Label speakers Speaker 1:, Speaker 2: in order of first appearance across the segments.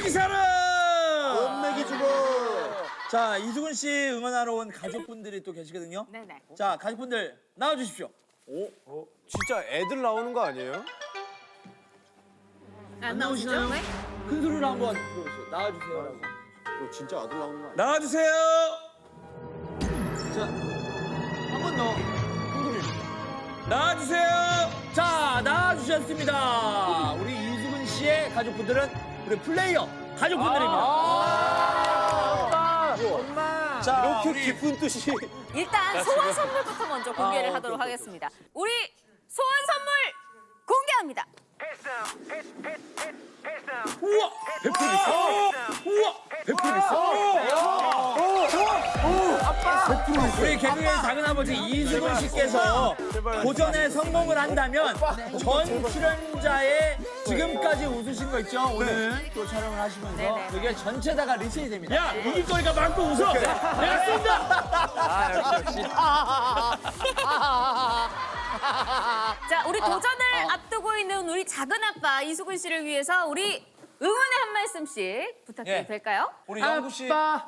Speaker 1: 기사를!
Speaker 2: 원맥이 주고.
Speaker 1: 자, 이수근 씨 응원하러 온 가족분들이 또 계시거든요.
Speaker 3: 네네.
Speaker 1: 자, 가족분들 나와주십시오.
Speaker 2: 진짜 애들 나오는 거 아니에요?
Speaker 3: 안
Speaker 1: 나오시나요?
Speaker 3: 나오시죠? 왜?
Speaker 1: 큰 소리로 한번 불러주세요. 나와주세요라고.
Speaker 2: 이거 진짜 아들 나오는 거 아니야?
Speaker 1: 나와주세요. 자, 한 번 더. 큰 소리로. 나와주세요. 자, 나와주셨습니다. 우리 이수근 씨의 가족분들은 우리 플레이어 가족분들입니다.
Speaker 2: 엄마.
Speaker 1: 자,
Speaker 2: 이렇게
Speaker 1: 우리
Speaker 2: 깊은 뜻이.
Speaker 3: 일단 소원 선물부터 먼저 공개를 하도록 하겠습니다. 우리 소원 선물 공개합니다.
Speaker 1: 우와! 100% 있어. 우와! 100% 있어. 우리 개그의 작은아버지 이수근 씨께서 도전에 성공을 한다면 전 출연자의 지금까지 웃으신 거 있죠? 오늘 또 촬영을 하시면서
Speaker 3: 네네.
Speaker 1: 그게 전체 다가 리셋이 됩니다. 야! 이길 거니까 마음껏 웃어! 내가 쏜다! 역시.
Speaker 3: 자, 우리 도전을 앞두고 있는 우리 작은 아빠 이수근 씨를 위해서 우리 응원의 한 말씀씩 부탁드려도
Speaker 1: 예.
Speaker 3: 될까요?
Speaker 1: 우리 영구 씨.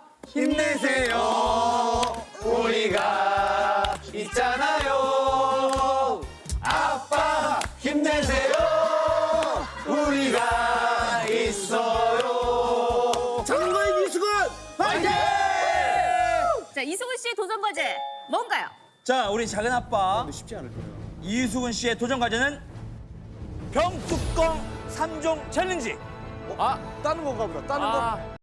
Speaker 2: 힘내세요. 우리가 있잖아요. 아빠 힘내세요. 우리가 있어요. 장거인 이수근 화이팅!
Speaker 3: 자, 이수근 씨의 도전 과제 뭔가요?
Speaker 1: 자, 우리 작은 아빠
Speaker 2: 쉽지 않을 거예요.
Speaker 1: 이수근 씨의 도전 과제는 병뚜껑 3종 챌린지.
Speaker 2: 아, 따는 건가 보다. 따는 거.